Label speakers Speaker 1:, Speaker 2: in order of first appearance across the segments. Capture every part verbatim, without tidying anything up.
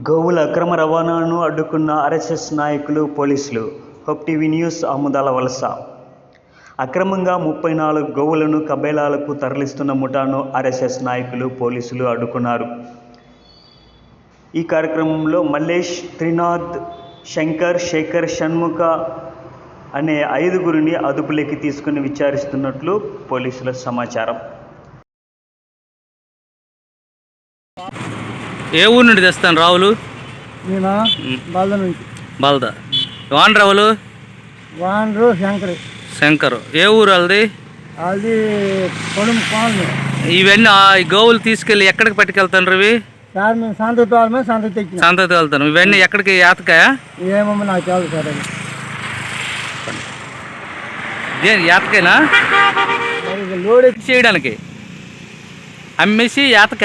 Speaker 1: గోవుల అక్రమ రవాణాను అడ్డుకున్న ఆర్ఎస్ఎస్ నాయకులు, పోలీసులు. హోప్ టీవీ న్యూస్ ఆముదాల వలస. అక్రమంగా ముప్పై నాలుగు గోవులను కబేళాలకు తరలిస్తున్న ముఠాను ఆర్ఎస్ఎస్ నాయకులు, పోలీసులు అడ్డుకున్నారు. ఈ కార్యక్రమంలో మల్లేష్, త్రినాథ్, శంకర్, శేఖర్, షణ్ముఖ అనే ఐదుగురిని అదుపులోకి తీసుకుని విచారిస్తున్నట్లు పోలీసుల సమాచారం.
Speaker 2: ఏ ఊరు నుండి తెస్తాను రావులు?
Speaker 3: బాల్దా నుంచి.
Speaker 2: బాల్దా. వాన్ రావులు?
Speaker 3: వానరు శంకర్.
Speaker 2: శంకర్. ఏ ఊరు వాళ్ళది?
Speaker 3: అది పొడుము కాలనీ.
Speaker 2: ఇవన్నీ ఈ గోవులు తీసుకెళ్ళి ఎక్కడికి పట్టుకెళ్తాను ఇవి?
Speaker 3: సార్ మేము సంతతి వాళ్ళమే సంతతి తెచ్చిన.
Speaker 2: సంతతి వెళ్తాను. ఇవన్నీ ఎక్కడికి? యాతకాయ?
Speaker 3: ఏమో నాకు తెలియదు సార్. అది
Speaker 2: దేని యాతకైనా?
Speaker 3: లోడ్
Speaker 2: చేయడానికి అమ్మేసి యాతక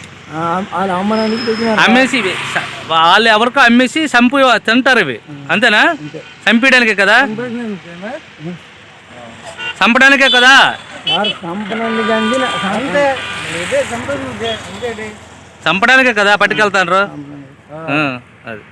Speaker 2: అమ్మేసి వాళ్ళు ఎవరికో అమ్మేసి చంపు తింటారు ఇవి, అంతేనా? చంపడానికే కదా? చంపడానికే కదా? చంపడానికే కదా పట్టుకెళ్తాను. అది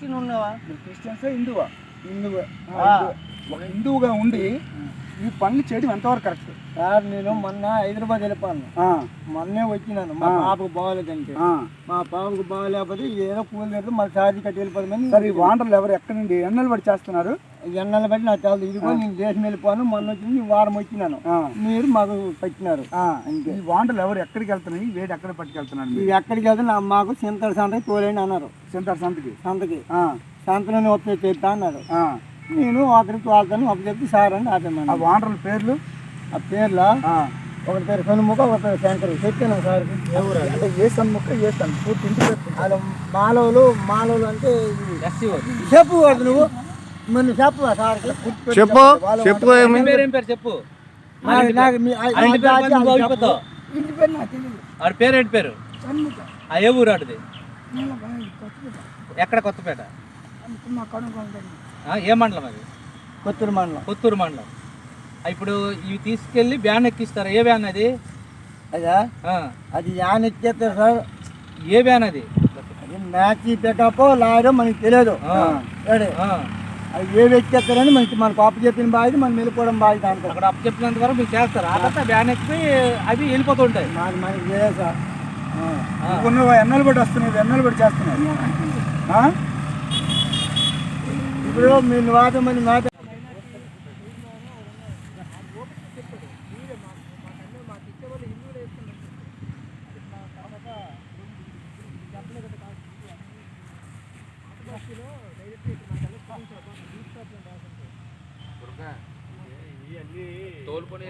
Speaker 3: హిందువుగా ఉండి ఈ పనులు చేయడం ఎంతవరకు కరెక్ట్ సార్? నేను మొన్న హైదరాబాద్ వెళ్ళిపోయాను. మొన్నే వచ్చినాను. మా పాపకు బాగోలేదంటే, మా పాపకు బాగోలేకపోతే ఏదో కూలి లేదు, మళ్ళీ ఛార్జీ కట్టి వెళ్ళిపోతామని. సరే, ఈ వాండర్లు ఎవరు ఎక్కడి నుండి ఎన్నెలు బట్టి చేస్తున్నారు? ఎన్నెలు బట్టి నాకు తెలియదు. ఇదిగో నేను దేశం వెళ్ళిపోను, మొన్న వచ్చింది వారం వచ్చినాను, మీరు మాకు పెట్టినారు. ఈ వాండర్లు ఎవరు ఎక్కడికి వెళ్తున్నాయి? వేడి ఎక్కడ పట్టుకెళ్తున్నారు? ఇవి ఎక్కడికి వెళ్తే మాకు సింతల సంతకి తోలేండి అన్నారు. సింతల సంతకి సంతకి సంతలోనే వస్తే చెప్తా అన్నారు. నేను ఒకరికి వాళ్ళతో ఒక చెప్పి సార్ అని ఆపేమన్నా. ఆ వాండర్ల పేర్లు? ఆ పేర్ల ఒకటి పేరు సన్ముఖ, ఒక పేరు శంకర్. చెప్పాను సార్. ఎవరు అంటే ఏ సన్ముఖ, ఏ సన్ పూర్తి ఇంటి పేరు? మాలవులు. మాలవులు అంటే చెప్పు నువ్వు మొన్న చెప్పు సార్.
Speaker 2: చెప్పు చెప్పు
Speaker 3: చెప్పు. ఇంటి పేరు నాకు తెలియదు.
Speaker 2: ఆడ పేరు ఏంటి పేరు? ఏ ఊరు ఆడిది? ఎక్కడ? కొత్తపేట. ఏ మండలం అది?
Speaker 3: కొత్తూరు మండలం.
Speaker 2: కొత్తూరు మండలం. ఇప్పుడు ఇవి తీసుకెళ్ళి వ్యాన్ ఎక్కిస్తారు. ఏ వ్యాన్ అది?
Speaker 3: అదా అది వ్యాన్ ఎక్కేస్తారు సార్.
Speaker 2: ఏ వ్యాన్ అది?
Speaker 3: మ్యాచ్ పికప్ లాయర్ మనకి తెలియదు. అది ఏవి ఎక్కేస్తారని మనకి మనకు అప్పు చెప్పిన బాధ్యత, మనం వెళ్ళిపోవడం బాధ్యత. అంటారు
Speaker 2: అక్కడ అప్పు చెప్పినంత వరకు మీరు చేస్తారు. ఆ తర్వాత వ్యాన్ ఎక్కిపోయి అవి వెళ్ళిపోతుంటాయి.
Speaker 3: మనకి మనకి తెలియదు సార్. కొన్ని ఎన్నెలు బట్టి వస్తున్నాయి, ఎన్నెలు బట్టి చేస్తున్నాయి. ఇప్పుడు మీరు వాదం మంది మాట
Speaker 2: తోలుకొని